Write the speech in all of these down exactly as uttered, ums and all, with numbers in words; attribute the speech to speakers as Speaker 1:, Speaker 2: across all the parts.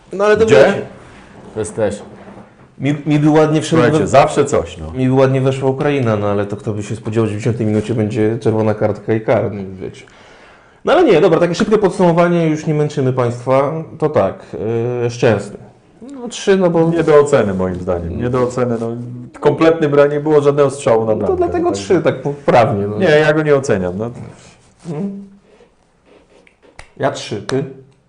Speaker 1: No ale to
Speaker 2: Gdzie?
Speaker 1: wiecie,
Speaker 3: To jest też.
Speaker 1: mi, mi by ładnie wszedł,
Speaker 2: Słuchajcie, zawsze coś, no.
Speaker 1: mi by ładnie weszła Ukraina, no ale to kto by się spodziewał, że w dziewiątej minucie będzie czerwona kartka i karny, wiecie. No ale nie, dobra, takie szybkie podsumowanie, już nie męczymy Państwa, to tak, yy, Szczęsny. No trzy, no bo...
Speaker 2: Nie do oceny moim zdaniem, nie do oceny, no. Kompletny brak, nie było żadnego strzału na
Speaker 1: No
Speaker 2: bramkę.
Speaker 1: to dlatego
Speaker 2: tak.
Speaker 1: trzy, tak poprawnie. No.
Speaker 2: Nie, ja go nie oceniam, no.
Speaker 1: Ja trzy, ty?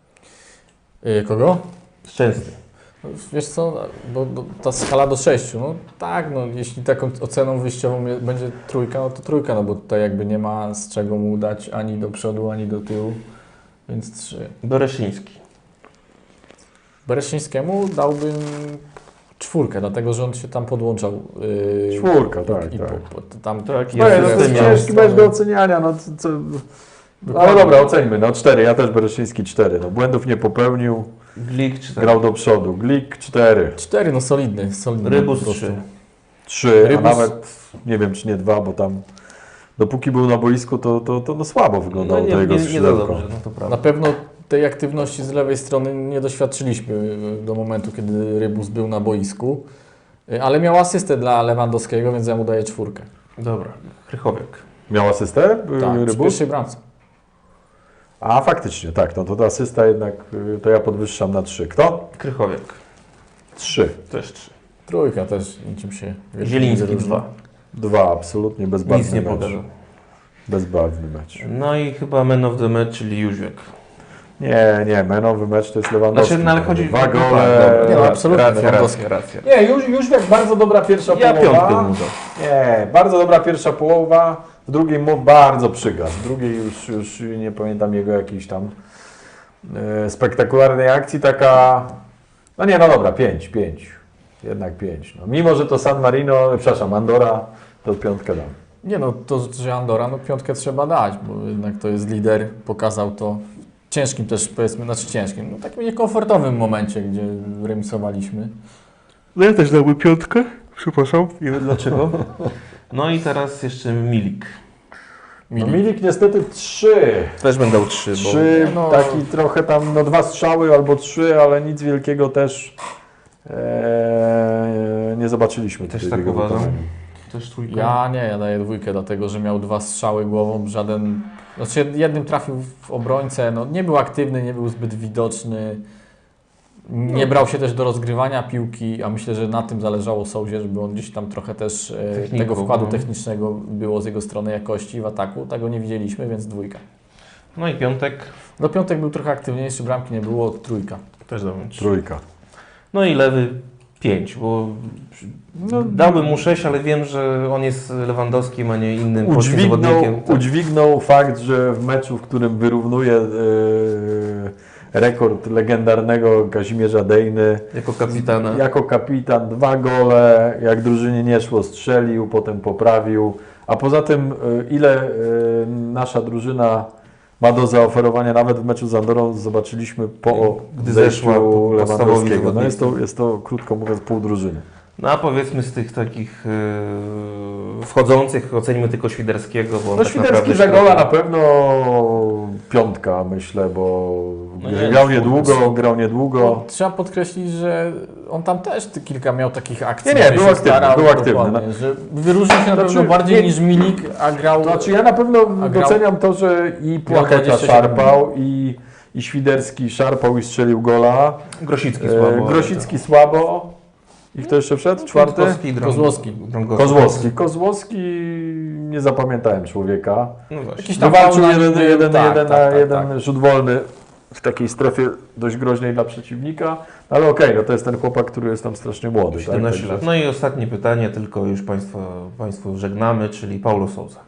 Speaker 3: Yy, kogo?
Speaker 1: Szczęsny.
Speaker 3: No, wiesz co, bo, bo ta skala do sześciu, no tak, no jeśli taką oceną wyjściową je- będzie trójka, no to trójka, no bo tutaj jakby nie ma z czego mu dać ani do przodu, ani do tyłu, więc trzy.
Speaker 1: Bereszyński.
Speaker 3: Bereszyńskiemu dałbym czwórkę, dlatego że on się tam podłączał. Yy,
Speaker 2: Czwórka, tak,
Speaker 3: i
Speaker 2: tak.
Speaker 3: Po, po, tam,
Speaker 1: Tak,
Speaker 2: No,
Speaker 1: ja
Speaker 2: no, to
Speaker 1: jestem
Speaker 2: jest
Speaker 1: miał
Speaker 2: ciężki mecz do oceniania, no co... co... Ale dobra, oceńmy, no cztery, ja też Bereszyński cztery, no błędów nie popełnił,
Speaker 1: Glik cztery.
Speaker 2: grał do przodu, Glik cztery,
Speaker 3: Cztery, no solidny, solidny.
Speaker 1: Rybus
Speaker 3: po prostu.
Speaker 1: trzy.
Speaker 2: trzy, a
Speaker 3: Rybus-
Speaker 2: nawet nie wiem czy nie dwa, bo tam dopóki był na boisku, to, to, to no słabo wyglądało
Speaker 1: No
Speaker 2: to
Speaker 1: nie,
Speaker 2: jego
Speaker 1: nie, nie za
Speaker 2: skrzydełko.
Speaker 1: dobrze, no to
Speaker 3: Na
Speaker 1: prawda.
Speaker 3: pewno tej aktywności z lewej strony nie doświadczyliśmy do momentu, kiedy Rybus był na boisku, ale miał asystę dla Lewandowskiego, więc ja mu daję czwórkę.
Speaker 1: Dobra, Krychowiak.
Speaker 2: Miał asystę y,
Speaker 3: Tak, przy
Speaker 2: Rybus?
Speaker 3: pierwszej bramce.
Speaker 2: A faktycznie, tak, no to ta asysta jednak, y, to ja podwyższam na trzy. Kto?
Speaker 1: Krychowiak.
Speaker 2: trzy.
Speaker 1: Też trzy.
Speaker 3: Trójka też niczym się...
Speaker 1: Zieliński
Speaker 3: różni.
Speaker 1: dwa.
Speaker 2: dwa, absolutnie bezbarwny
Speaker 1: Nic nie
Speaker 2: mecz.
Speaker 1: pokazał.
Speaker 2: Bezbarwny mecz.
Speaker 1: No i chyba man of the match, czyli Jóźwiak.
Speaker 2: Nie, nie, menowy mecz to jest Lewandowski.
Speaker 1: Znaczy, no ale chodzi-
Speaker 2: Dwa
Speaker 1: no
Speaker 2: gole.
Speaker 1: tak, dobra.
Speaker 3: Nie, no, absolutnie,
Speaker 1: Racja,
Speaker 3: Lewandowski.
Speaker 1: racja, racja.
Speaker 2: Nie, już, już jak bardzo dobra pierwsza
Speaker 1: Ja
Speaker 2: połowa.
Speaker 1: piątkę mu dam.
Speaker 2: Nie, bardzo dobra pierwsza połowa. W drugiej mu bardzo przygasł. W drugiej już, już nie pamiętam jego jakiejś tam e, spektakularnej akcji. Taka, no nie, no dobra, pięć, pięć. Jednak pięć. No, mimo, że to San Marino, przepraszam, Andora, to piątkę dam.
Speaker 3: Nie no, to, że Andora, no piątkę trzeba dać, bo jednak to jest lider, pokazał to w ciężkim też, powiedzmy, znaczy ciężkim, no takim niekomfortowym momencie, gdzie remisowaliśmy.
Speaker 1: No ja też dałbym piątkę. Przepraszam. Nie wiem dlaczego. No i teraz jeszcze Milik.
Speaker 2: No, Milik niestety trzy.
Speaker 1: Też będę dał trzy, bo...
Speaker 2: Trzy,
Speaker 3: no-
Speaker 2: taki trochę tam, no dwa strzały albo trzy, ale nic wielkiego też e, nie zobaczyliśmy.
Speaker 1: Też
Speaker 2: tutaj
Speaker 1: tak
Speaker 2: w jego
Speaker 1: uważam.
Speaker 2: wykonaniu.
Speaker 1: Też trójka.
Speaker 3: Ja nie, ja daję dwójkę, dlatego że miał dwa strzały głową, żaden, znaczy jednym trafił w obrońcę, no nie był aktywny, nie był zbyt widoczny, nie brał się też do rozgrywania piłki, a myślę, że na tym zależało Souzie, żeby on gdzieś tam trochę też e,
Speaker 1: Techniką,
Speaker 3: tego wkładu
Speaker 1: no.
Speaker 3: technicznego było z jego strony jakości w ataku, tego nie widzieliśmy, więc dwójka.
Speaker 1: No i piątek.
Speaker 3: Do piątek był trochę aktywniejszy, bramki nie było, trójka.
Speaker 1: Też dałbym trzy.
Speaker 2: Trójka.
Speaker 1: No i lewy pięć, bo
Speaker 2: No,
Speaker 1: dałbym mu sześć, ale wiem, że on jest Lewandowskim, a nie innym polskim
Speaker 2: Udźwignął,
Speaker 1: zawodnikiem. Tak.
Speaker 2: udźwignął fakt, że w meczu, w którym wyrównuje e, rekord legendarnego Kazimierza Dejny,
Speaker 1: Jako kapitana.
Speaker 2: jako kapitan dwa gole, jak drużynie nie szło, strzelił, potem poprawił. A poza tym, e, ile e, nasza drużyna ma do zaoferowania, nawet w meczu z Andorą zobaczyliśmy po
Speaker 1: Gdy
Speaker 2: zejściu
Speaker 1: zeszła po- podstawowi
Speaker 2: Lewandowskiego. No
Speaker 1: zawodnicy.
Speaker 2: jest to, jest to, krótko mówiąc, pół drużyny.
Speaker 1: No a powiedzmy z tych takich yy, wchodzących, ocenimy tylko Świderskiego, bo on
Speaker 2: No
Speaker 1: tak
Speaker 2: Świderski
Speaker 1: naprawdę...
Speaker 2: za gola na pewno piątka, myślę, bo
Speaker 1: No nie,
Speaker 2: grał
Speaker 1: no,
Speaker 2: niedługo, grał niedługo.
Speaker 3: Trzeba podkreślić, że on tam też ty- kilka miał takich akcji.
Speaker 2: Nie, nie,
Speaker 3: gdzie
Speaker 2: był
Speaker 3: się
Speaker 2: aktywny,
Speaker 3: starał,
Speaker 2: był aktywny,
Speaker 3: dokładnie, że wyróżnił się na
Speaker 2: Znaczy,
Speaker 3: pewno bardziej
Speaker 2: nie-
Speaker 3: niż Milik, a grał...
Speaker 2: Znaczy ja na pewno
Speaker 3: A grał-
Speaker 2: doceniam to, że i Płacheta
Speaker 3: dwadzieścia siedem
Speaker 2: szarpał, i, i Świderski szarpał i strzelił gola.
Speaker 1: Grosicki
Speaker 2: E,
Speaker 1: słabo.
Speaker 2: Grosicki słabo. I kto jeszcze wszedł? Czwarty?
Speaker 1: Kwiatkowski, Drąg-
Speaker 3: Kozłowski.
Speaker 1: Drągowski.
Speaker 2: Kozłowski. Kozłowski nie zapamiętałem człowieka.
Speaker 1: No właśnie.
Speaker 3: Jakiś tam
Speaker 2: Wywalczył
Speaker 3: faul na
Speaker 2: jeden,
Speaker 3: nim
Speaker 2: jeden,
Speaker 3: był,
Speaker 2: jeden,
Speaker 3: tak,
Speaker 2: jeden,
Speaker 3: tak,
Speaker 2: na
Speaker 3: tak,
Speaker 2: jeden
Speaker 3: tak.
Speaker 2: rzut wolny w takiej strefie dość groźnej dla przeciwnika. Ale okej, no to jest ten chłopak, który jest tam strasznie młody.
Speaker 1: siedemnaście
Speaker 2: tak?
Speaker 1: lat. No i ostatnie pytanie, tylko już Państwa, Państwu żegnamy, czyli Paulo Sousa.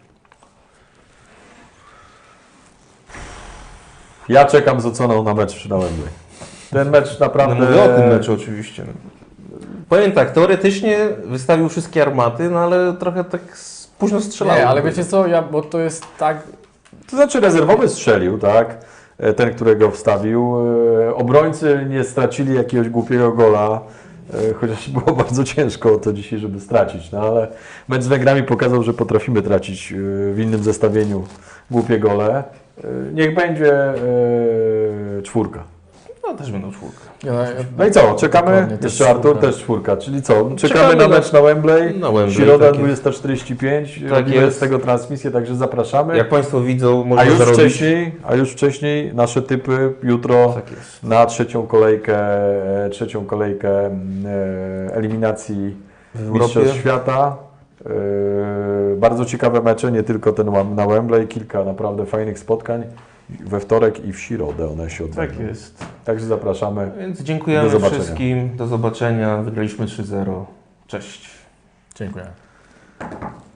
Speaker 2: Ja czekam z oceną na mecz przy Nałębie. Ten mecz
Speaker 1: No
Speaker 2: naprawdę...
Speaker 1: mówię o tym meczu oczywiście. Powiem tak, teoretycznie wystawił wszystkie armaty, no ale trochę tak s- późno strzelał.
Speaker 3: Nie, ale wiecie co, ja, bo to jest tak...
Speaker 2: To znaczy rezerwowy strzelił, tak? E, Ten, którego wstawił. E, Obrońcy nie stracili jakiegoś głupiego gola, e, chociaż było bardzo ciężko o to dzisiaj, żeby stracić. No ale mecz z Węgrami pokazał, że potrafimy tracić e, w innym zestawieniu głupie gole. E, Niech będzie e, czwórka.
Speaker 1: No też będą czwórkę.
Speaker 3: Ja, ja,
Speaker 2: No i co, czekamy?
Speaker 3: Dokładnie, też
Speaker 2: Jeszcze Artur,
Speaker 3: czwórka.
Speaker 2: też czwórka, czyli co, czekamy,
Speaker 1: Czekamy
Speaker 2: na
Speaker 1: na-
Speaker 2: mecz na Wembley,
Speaker 1: Na Wembley,
Speaker 2: środa
Speaker 1: tak jest.
Speaker 2: dwudziesta czterdzieści pięć,
Speaker 1: Tak
Speaker 2: robimy
Speaker 1: jest.
Speaker 2: z tego transmisję, także zapraszamy.
Speaker 1: Jak Państwo widzą,
Speaker 2: A
Speaker 1: można
Speaker 2: już
Speaker 1: zarobić...
Speaker 2: wcześniej, a już wcześniej nasze typy jutro
Speaker 1: Tak jest.
Speaker 2: na trzecią kolejkę, e, trzecią kolejkę e, eliminacji
Speaker 1: W
Speaker 2: Mistrzostw
Speaker 1: Europie.
Speaker 2: Świata. E, bardzo ciekawe mecze, nie tylko ten Wem- na Wembley, kilka naprawdę fajnych spotkań we wtorek i w środę one się odbędą.
Speaker 1: Tak jest.
Speaker 2: Także zapraszamy.
Speaker 1: Więc dziękujemy
Speaker 2: Do zobaczenia.
Speaker 1: wszystkim. Do zobaczenia. Wygraliśmy trzy zero. Cześć.
Speaker 3: Dziękuję.